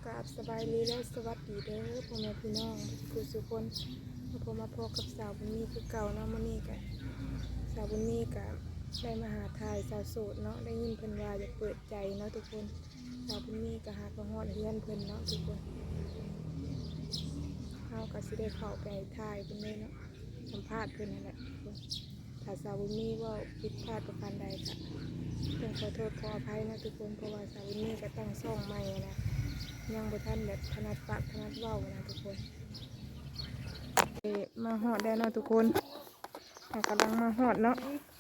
กราบสบายดีและสวัสดีเด้อพ่อแม่พี่น้องผู้สุคนมาพบกับสาวบุญมีคือเก่าเนาะมื้อนี้ก็สาวบุญมีก็ได้มาหาทายสาวโสดเนาะได้ยินเพิ่นว่าอยากเปิดใจเนาะทุกคนสาวบุญมีก็หามาฮอดเฮือนเพิ่นเนาะทุกคนเฮาก็สิได้เข้าไปทายเพิ่นเลยเนาะสัมภาษณ์เพิ่นนั่นแหละทุกคนถ้าสาวบุญมีเว้าผิดพลาดประการใดก็ต้องขอโทษขออภัยนะทุกคนเพราะว่าสาวบุญมีก็ตั้งช่องใหม่นะยังบ่ทันแบบถนัดปากถนัดเว้านะทุกคนมาฮอดได้เนาะทุกคนกำลังมาฮอดเนาะ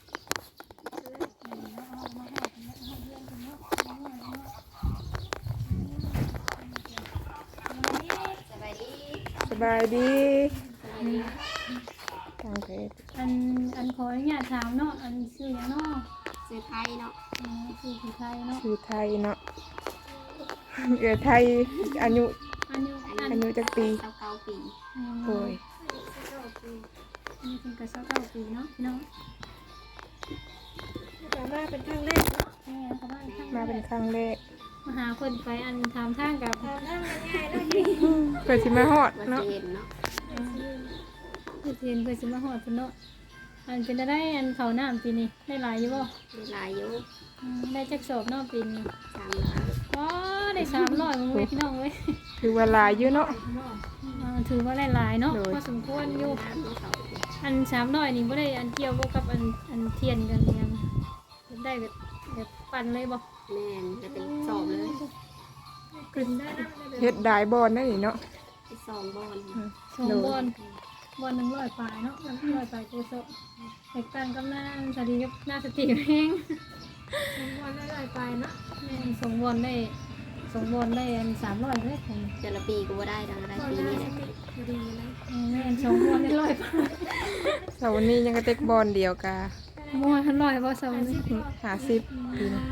สบายดีตั้งเพจอันขออนุญาตถามเนาะอันชื่อหยังเนาะซื้อไทยเนาะชื่อไทยเนาะชื่อไทยเนาะไทยอายุจักปี 29ปีโอ้ยอันนี้เป็นกระเช้า9ปีเนาะพี่น้องมาเป็นครั้งแรกแม่เขาบ้านข้างมาเป็นครั้งแรกมาหาคนไปอันถามทางกับง่ายๆเลยเพื่อสิมาฮอดเนาะเพื่อสิมาฮอดเพิ่นเนาะอันเป็นได้อันเขาน้ำปีนี้ได้หลายอยู่บ่หลายอยู่ได้จักสอบเนาะปีนี้ 300 อ๋อได้300มื้อพี่น้องเว้ยถือว่าหลายอยู่เนาะถือว่าหลายๆเนาะพอสมควรอยู่อัน300นี่บ่ได้อันเกี่ยวกับอันเทียนกันยังได้แบบปั่นเลยบ่แม่นจะเป็นสอบเลยกลืนได้เฮ็ดได้บ่อนได้นี่เนาะ 2บอน 2บอน100ปลายเนาะ100ปลายตัวโซแตกต่างกับหน้าสดีกับหน้าสติแห้ง2บอนได้100ปลายเนาะแม่น2บอนได้อัน300เด้ผมแต่ละปีก็บ่ได้ดังอะไรปีนี้แหละดีนะแม่น2บอนได้100ปลายเสาร์นี้ยังกระเตกบอลเดียวกะมั่ว100บ่เสาร์นี้ 50ปีนะ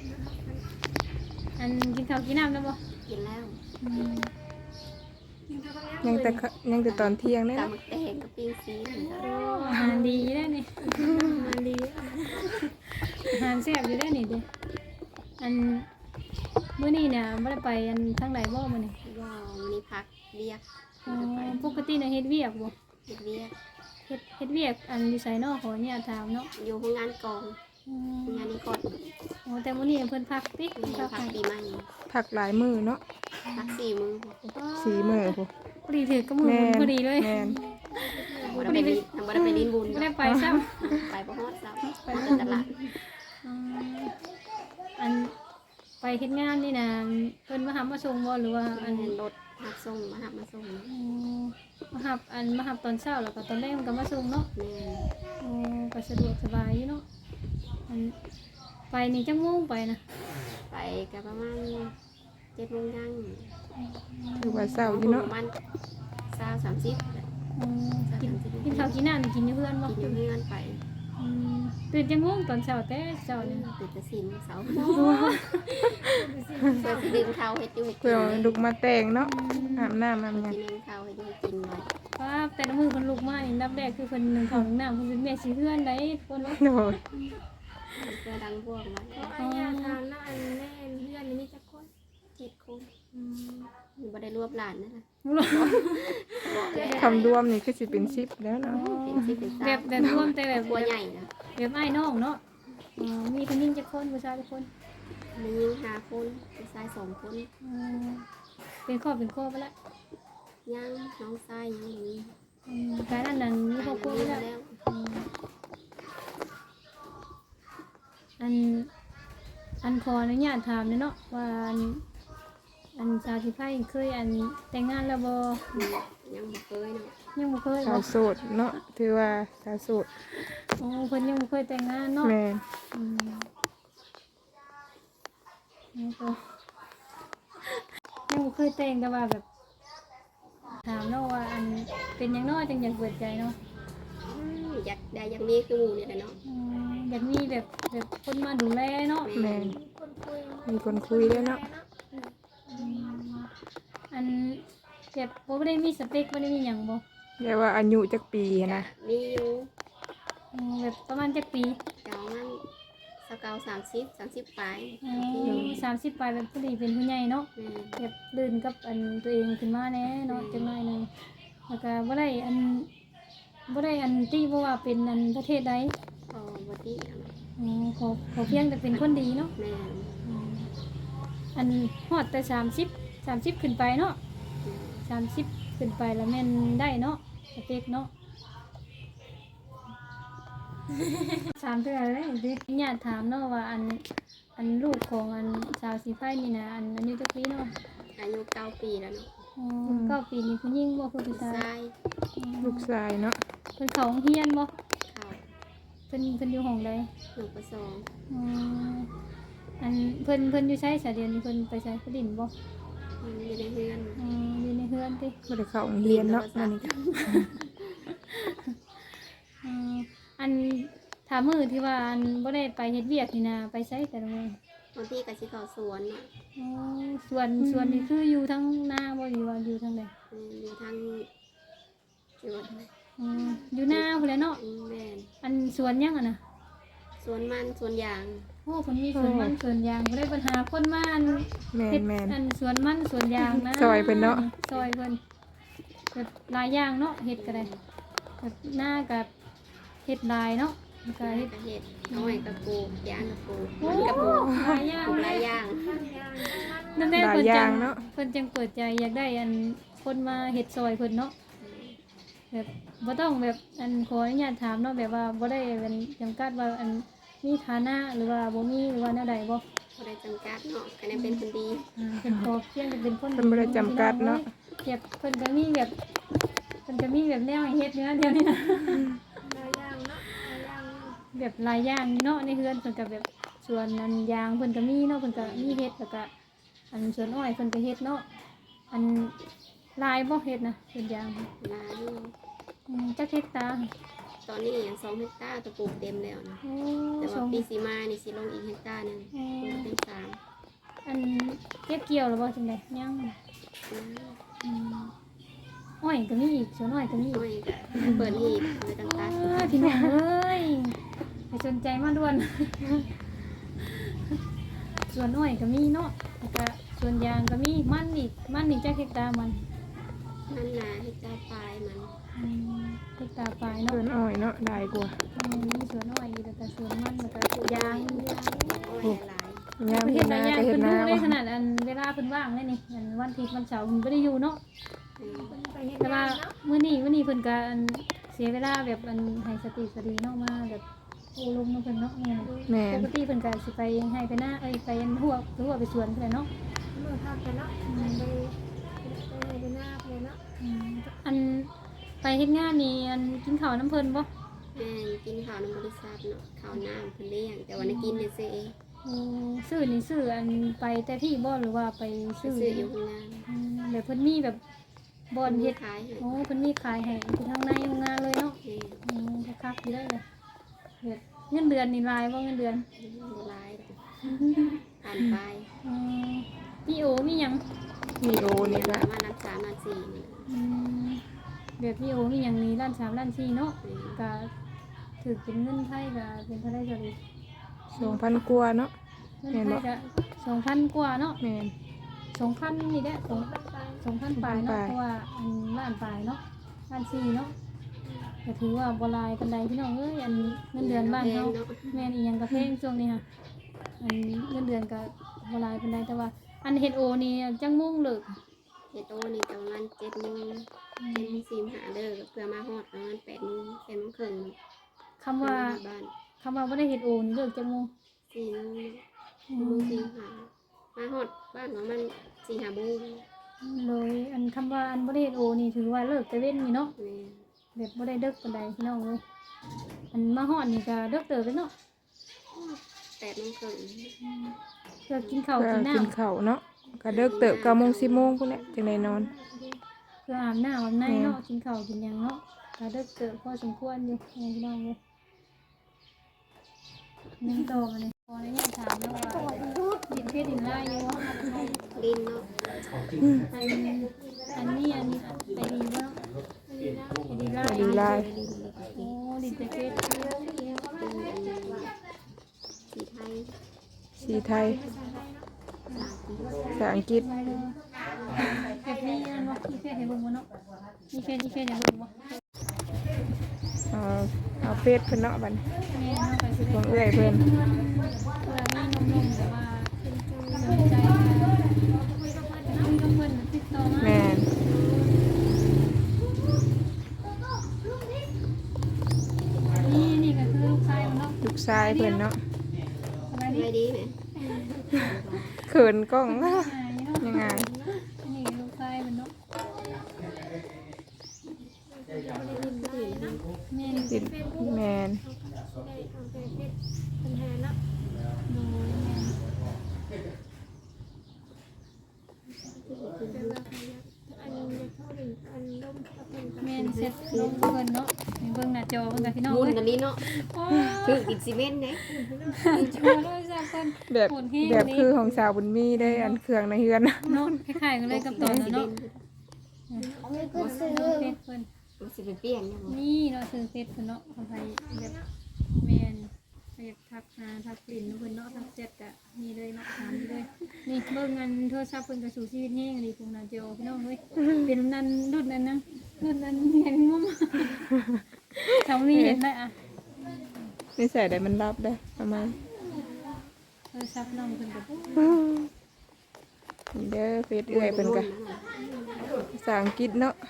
อันกินข้าวกินน้ำแล้วบ่กินแล้วยังแต่ตอนเที่ยงได้ตำบักแตงกับปิ้งซีนอาหารดีได้นี่อาหารดีอาหารแซ่บอยู่ได้นี่เด้อันมื้อนี้เนี่ยบ่ได้ไปอันทางไหนบ่มื้อนี้ว้าวมื้อนี้พักเวียกปกติน่ะเฮ็ดเวียกบ่เฮ็ดเวียกเฮ็ดเวียกอันอยู่ไสเนาะขอเนี่ยถามเนาะอยู่โรงงานกองงานนี้ก่อนโอ้แต่มื้อนี้เพิ่นพักติพักปีใหม่พักหลายมื้อเนาะพัก4 มื้อ 4 มื้อพุพอดีถือกับมื้อพอดีเลยแม่นบ่ได้ไปดินบุญบ่ได้ไปซ้ำไปบ่ฮอดซ้ำไปตลาดอันไปเฮ็ดงานนี่น่ะเพิ่นมาหามาส่งบ่หรือว่าอันรถมาส่งมาส่งมาหับตอนเช้าแล้วก็ตอนแรกมันก็มาส่งเนาะก็สะดวกสบายอยู่เนาะอันไปนี่จังโมงไปนะไปก็ประมาณ7 โมงยังถือว่าเช้าอยู่เนาะประมาณ20-30 กินข้าวกินน้ำกินอยู่เพื่อนบ่กินอยู่เพื่อนไปตื่นจังโมงตอนเช้าแต่เช้านี่ตื่นแต่4 โมงเช้าเพื่อดื่มข้าวให้อยู่เพื่อลุกมาแต่งเนาะอาบน้ำอาบหยังกินข้าวให้อยู่กินไว้ป้าแต่ละมื้อเพิ่นลุกมานี่นับแรกคือเพิ่นนึ่งข้าวนึ่งน้ำเพิ่นเป็นแม่สิเฮือนได้คนว่าโอ้ยเพื่อดังพวกไว้ญาทานแล้วอันแม่เฮือนนี่มีจักคน 7 คนบ่ได้รวบหลานนั่นน่ะคำรวมนี่คือสิเป็น10แล้วเนาะแบบรวมแต่แบบบัวใหญ่นะแบบอ้ายน้องเนาะมีผู้หญิงจักคนผู้ชายจักคนมีหญิง5 คนผู้ชาย2 คนเป็นครอบไปแล้วยังน้องชายยังมีการนั้นมีครอบครัวแล้วอันขออนุญาตถามเนาะว่าอันสาวที่ไพ่เคยอันแต่งงานแล้วบ่ยังบ่เคยเนาะยังบ่เคยสาวโสดเนาะถือว่าสาวโสดเพิ่นยังบ่เคยแต่งงานเนาะแม่นยังบ่เคยแต่งแต่ว่าแบบถามเนาะว่าอันเป็นหยังเนาะจังอยากเปิดใจเนาะอยากมีคือหมู่นี่แหละเนาะอยากมีแบบคนมาดูแลเนาะแม่นมีคนคุยด้วยเนาะอันแบบบ่ได้มีสเปคบ่ได้มีหยังบ่เรียกว่าอายุจักปีนะมีอยู่แบบประมาณจักปีประมาณเก่า30 ปลาย 30ปลายแบบพอดีเป็นผู้ใหญ่เนาะแม่นแบบลื่นกับอันตัวเองขึ้นมาแน่เนาะจังหน่อยหนึงแล้วก็บ่ได้อันที่บ่ว่าเป็นอันประเทศใดพอบ่ติอะอ๋อขอเพียงแต่เป็นคนดีเนาะแม่นอันฮอดแต่30ขึ้นไปเนาะ30ขึ้นไปแล้วแม่นได้เนาะสเปกเนาะ 3เทื่อเลยดิญาติถามเนาะว่าอันลูกของอันสาวสีไฟนี่นะอันอายุจักปีเนาะอายุ9 ปีแล้วเนาะอ๋อ9 ปีนี่ผู้หญิงบ่คือผู้ชายชายลูกชายเนาะเพิ่นเข้าโรงเรียนบ่เขาเพิ่นอยู่ห้องใดหนูประสงค์อ๋ออันเพิ่นอยู่ใช้สาเดียนนี่เพิ่นไปใช้ผลินบ่อยู่ในเรือนอ๋ออยู่ในเฮือนติบ่ได้เข้าโรงเรียนเนาะอันนี้ก็อ๋ออันถามมื้อที่ว่าอันบ่ได้ไปเฮ็ดเวียกนี่นะไปใช้แต่ละมื้อบางทีก็สิเข้าสวนเนาะอ๋อส่วนนี่คืออยู่ทั้งหน้าบ่หรือว่าอยู่ทางใดอยู่ทางจังหวัดอะไรอ๋ออยู่หน้าพุ่นแหละเนาะแม่นอันสวนยังอ่ะนะสวนมันสวนยางโอ้เพิ่นมีสวนมันสวนยางบ่ได้ปัญหาคนมาอันแม่เฮ็นดแม่นอันสวนมันสวนยางนะซอยเพิ่นเนาะซอยเพิ่นแบบหลายอย่างเนาะเฮ็ดก็ได้แบบหน้ากับเฮ็ดลายเนาะแล้วก็เฮ็ดกระเห็ดน้อยกระปูกยางกระปูกโอ้มันกระปูกหลายอย่างหเลลายยอย่างนั่นแหละหลายเพิ่นอจัย่างงเนาะเพิ่นจังเปิดใจอยากได้อันคนมาเฮ็ดซอยเพิ่นเนาะแบบบ่ต้องแบบอันขออนุญาตถามเนาะแบบว่าบ่ได้เป็นจำกัดว่าอันมีฐานะหรือว่าบ่มีหรือว่าแนวใดบ่บ่ได้จำกัดเนาะคะแนนเป็นคนดีเป็นพอเพียงแต่เป็นคนเพิ่นบ่ได้จำกัดเนาะแบบเพิ่นก็มีแบบเพิ่นก็มีแบบแนวให้เฮ็ดเนื้อเดียวนี่นะหลายอย่างเนาะหลายอย่างแบบหลายอย่างเนาะในเฮือนเพิ่นก็แบบส่วนอันยางเพิ่นก็มีเนาะเพิ่นก็มีเฮ็ดแล้วก็อันสวนอ้อยเพิ่นก็เฮ็ดเนาะอันลายบ่เฮ็ดนะสวนยางหลายอยู่จักเฮ็ดตาตอนนี้ยัง2 เฮกตาร์ตะปลูกเต็มแล้วนะโอ้แต่สว่าองปีสีมานี่สิลงอีกเฮกตาร์หนึงปลูกเป็น3 อันเก็บเกี่ยวแล้วบ่จังได๋ยังอืมอ้อยก็มีอีกสวนอ้อยก็มีอีกน้อยก็เปิดหีบเลยต่างพี่น้องเอ้ยไปสนใจมาด่วน ส่วนอ้อยก็มีเนาะแล้วก็ส่วนยางก็มีมันอีกจักเฮกตาร์มันๆนั่นน่ะเฮกตาร์ปลายมันเฮกตาร์ปลายเนาะเพิ่นอ้อยเนาะได้กว่ามีสวนอ้อยแล้วก็สวนมันแล้วก็ยางอ้อยหลายยามประเทเฮ็ศดหลายนาอย่างก็เฮ็เพิ่ดนนารู้ได้ขนาดอันเวลาเพิ่นว่างเลยนี่อันวันอาทิตย์วันเสาร์เพิ่นบ่ได้อยู่เนาะ แต่ว่ามื้อนี้เพิ่นก็อันเสียเวลาแบบอันให้สติสติเนาะมาแบบโอ้ลมเนาะเพิ่นเนาะแม่ปนกติเพิ่นก็สิไปให้ไปหน้าไปอันหัวไปสวนเพิ่นเนาะมื้อพักกันเนาะไปหน้าไปเนาะอันไปเฮ็ดงานนี่อันกินข้าวน้ำเพิ่นบ่แม่กินข้าวในบริษัทเนาะข้าวน้ำเพิ่นเลี้ยงแต่ว่าได้กินในซื้อเองโอ้ซื้อนี่ซื้ออันไปแต่ที่บ่หรือว่าไปซื้อซื้ออยู่ข้างล่างแบบเพิ่นมีแบบบ่อนเฮ็เฮ็ดดขายให้โอ้เพิ่นมีขายให้อยู่ทางในโรงงานเลยเนาะแม่คักๆอยู่ได้เลยแบบเงินเดือนนี่รายบ่เงินเดือนบ่หลายผ่านไปมีโอมีหยังมีโอนี่ปก็ระมาณนับ3นับ4นี่แบบมีโอมีหยังนี่ล้าน3ล้าน4เนาะก็ถือเป็นเงินไทยก็เป็นเท่าไหร่ก็ดี 2,000กว่าเนาะเงินไทยก็2,000 กว่าเนาะแม่น 2,000นี่แหละ2,000ปลายเนาะเพราะว่าอันล้านปลายเนาะล้าน4เนาะก็ถือว่าบ่หลายปานใดพี่น้องเอ้ยอันเงินเดือนบ้านเฮาแม่นอีหยังก็แพงช่วงนี้ค่ะอันเงินเดือนก็บ่หลายปานใดแต่ว่าอันเฮ็ดโอนี่จังมุ่งเลิกเฮ็ดโตนี่ประมาณ7:00น7:45เด้อเพื่อมาฮอดประมาณ8:00น8:30นคำว่าบ้านบ่ได้เฮ็ดโอนี่เลิกจังมุ่ง 4:00น4:45มาฮอดบ้านประมาณ4-5 โมงเลยอันคำว่าอันบ่ได้เฮ็ดโอนี่ถือว่าเลิกแต่เว้นนี่เนาะแม่แบบบ่ได้เลิกปานใดพี่น้องเอ้ยอันมาฮอดนี่ก็เลิกเติบไปเนาะ 8:30นเพื่อกินข้าวเพื่อกินน้ำกินข้าวเนาะก็เลิกเติบ9:00 10:00พุ่นแหละจังได้นอนเพื่ออาบน้ำอาบในเนาะกินข้าวกินหยังเนาะก็เลิกเติบพอสมควรอยู่พี่น้องเอ้ยนั่งโตมาเลยพอได้ถามแล้วว่าดินเพชรดินลายอยู่ลิ้นเนาะอันนี้ไปดีบ่ไปดีลายไปดีลายโอ้ดินเพชรสสีไทยภาษาไทยเนาะภาษาอังกฤษภาษาอังกฤษแบบนี้นั่นบ่มีเฟซให้เบิ่งบ่เนาะมีเฟซให้เบิ่งบ่เอาเฟซเพิ่นเนาะบัดนี้แม่เนาะไปสิขได้องเอื้อยเพิ่นเวลามีนมๆแต่ว่าสนใจคุยกับเพิ่นติดต่อมาแม่นนี่ก็คือลูกชายมันเนาะลูกชายเพิ่นเนาะสบายสดีบายดีไหมเขินกล้องเนาะยังไงนี่ลูกชายมันเนาะแม่นติดแม่นได้เอาไปเฮ็ดปัญหาเนาะโดยแม่นแม่นเสร็จลงเพิ่นเนาะให้เบิ่งหน้าจอเพิ่นกับพี่น้องมุนเอ้ยอันนี้เนาะโอ้คืออินซีเมนต์เนี่ยโชว์เลยจ้ะเพิ่นแบบโหดแฮงแบบนี่คือของสาวบุญมีได้อันเครื่องในเฮือนเนาะคล้ายๆกันเลยกับตอนนั้นเนาะเฟซเพิ่นมันสิไปเปลี่ยนเนี่ยนี่เนาะซื้อเฟซเพิ่นเนาะคนไทยแบบแม่นอยากทักหาทักกลิ่นเพิ่นเนาะทักเจ็ดกะมีเลยเนาะถามเลยนี่เบิ่งอันโทรศัพท์เพิ่นก็สู่ชีวิตแฮงดีพวกหน้าจอพี่น้องเอ้ยเป็นนั้นรุ่นนั้นนะรุ่นนั้นเห็นมุมสามีเห็นได้อะนี่ใส่ได้มันรับได้ประมาณโทรศัพท์น้องเพิ่นก็นี่เด้อเฟซเอื้อยเพิ่นก็ภาษาอังกฤษเนาะ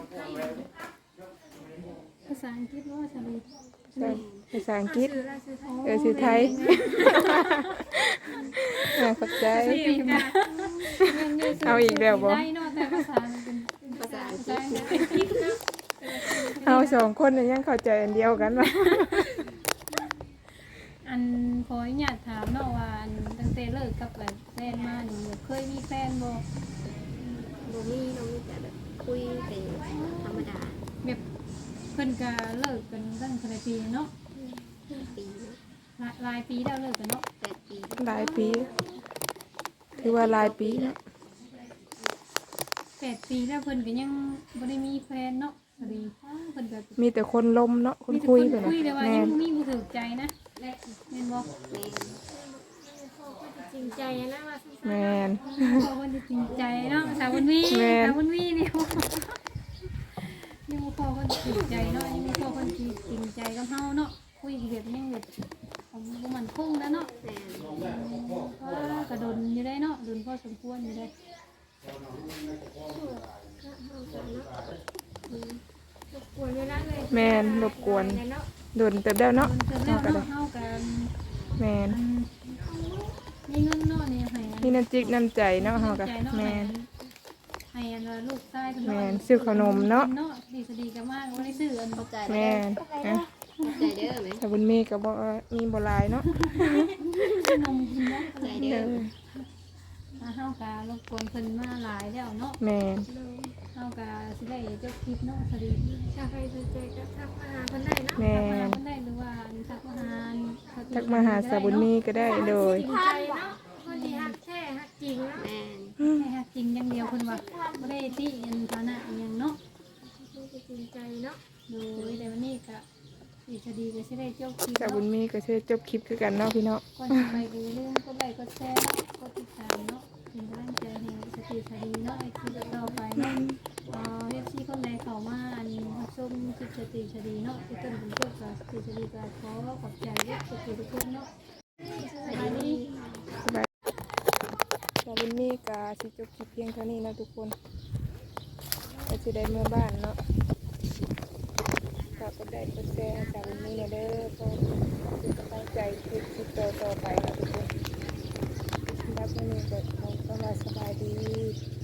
ภาษาอังกฤษว่าสามีภาษาอังกฤษชื่อไทยขอบใจ เอาอีกแล้วบ่ได้เนาะแต่ภาษามันเป็นภาษาอังกภาฤษาษอังกฤษเอาสองคนเนี่ยยังเข้าใจอันเดียวกันวะอันขออนุญาตถามเนาะว่าอันตั้งแต่เลิกกับแฟนมานี่เคยมีแฟนบ่บ่มีน้องมีแต่แบบคุยแต่ธรรมดาแบบเพิ่นก็เลิกกันตั้งแต่ปีเนาะปีเนาะหลายปีแล้วเลิกกันเนาะ 8 ปีหลายปีถือว่าหลายปีเนาะ 8 ปีแล้วเพิ่นก็ยังบ่ได้มีแฟนเนาะพอดีเพิ่นก็มีแต่คนลมเนาะคนมีแต่คุยคนเพิ่นคุยแต่น่ะว่าแม่ยังนมีบ่ถูกใจนะแม่นบ่แม่จริงใจนะว่าแม่นพอคนจริงใจเนาะสาวบุญมีแม่นสาวบุญมีนี่ยังบ่พอคนจริงใจเนาะยังบ่พอคนจริงใจกับเฮาเนาะคุยแบบยังแบบผมบ่มั่นคงแล้วเนาะแม่ก็โดนอยู่ได้เนาะโดนพอสมควรอยู่ได้กวนเวลาเลยแม่นรบกวนโดนเติบแล้วโดเนาะนเติมแล้วเนาะเฮากันแม่นมีเงินเนาะนี่ให้นี่น้ำจิกน้ำใจเนาะเฮาก็แม่นให้อันว่าลูกชายเพิ่นแม่นซื้อขนมเนาะดีสดีกันมากบ่ได้ซื้ออันเข้าใจแม่นนะใจเด้อไหมถ้าบุญมีก็บ่มีบ่หลายเนาะขนมกินเนาะใจเด้อเฮากะรบกวนเพิ่นมาหลายแล้วเนาะแม่นเฮากะสิได้เจ้าคลิปเนาะสวัสดีถ้าใครสนใจก็ทักมาหาคนได้เนาะแม่ทักมาน เพิ่นได้หรือว่าทักมาหาทักมาหาสาวบุญมีก็ได้โดยจริงใจเนาะคนที่ฮักแท้ฮักจริงเนาะแม่ให้ฮักจริงอย่างเดียวเพิ่นว่าบ่ได้ติอันฐานะอิหยังเนาะคนที่จริงใจเนาะโดยแต่วันนี้ก็สิสดีก็สิได้เจ้าคลิปสาวบุญเนาะมีก็สิจบคลิปคือกันเนาะพี่เนาะก่อนจะไปก็อย่าลืมกดไลค์กดแชร์เนาะกดติดตามเนาะเป็นกำลังใจให้สติสดีเนาะไอ้คลิปต่อไปเนาะFC คนใดเข้ามาอันรับชมคลิปสติสดีเนาะที่ต้นเป็นเจ้ากับสติสดีก็ขอขอบใจทุกคนเนาะสบายดีสบายสาวบุญมีก็สิจบคลิปเพียงเท่านี้นะทุกคนก็สิได้เมื่อบ้านเนาะฝากกดไลค์กดแชร์ให้สาวบุญมีเด้อเพื่อเป็นกำลังใจคลิปต่อไปนะทุกคนรับมื้อนี้ก็ขอสบายดี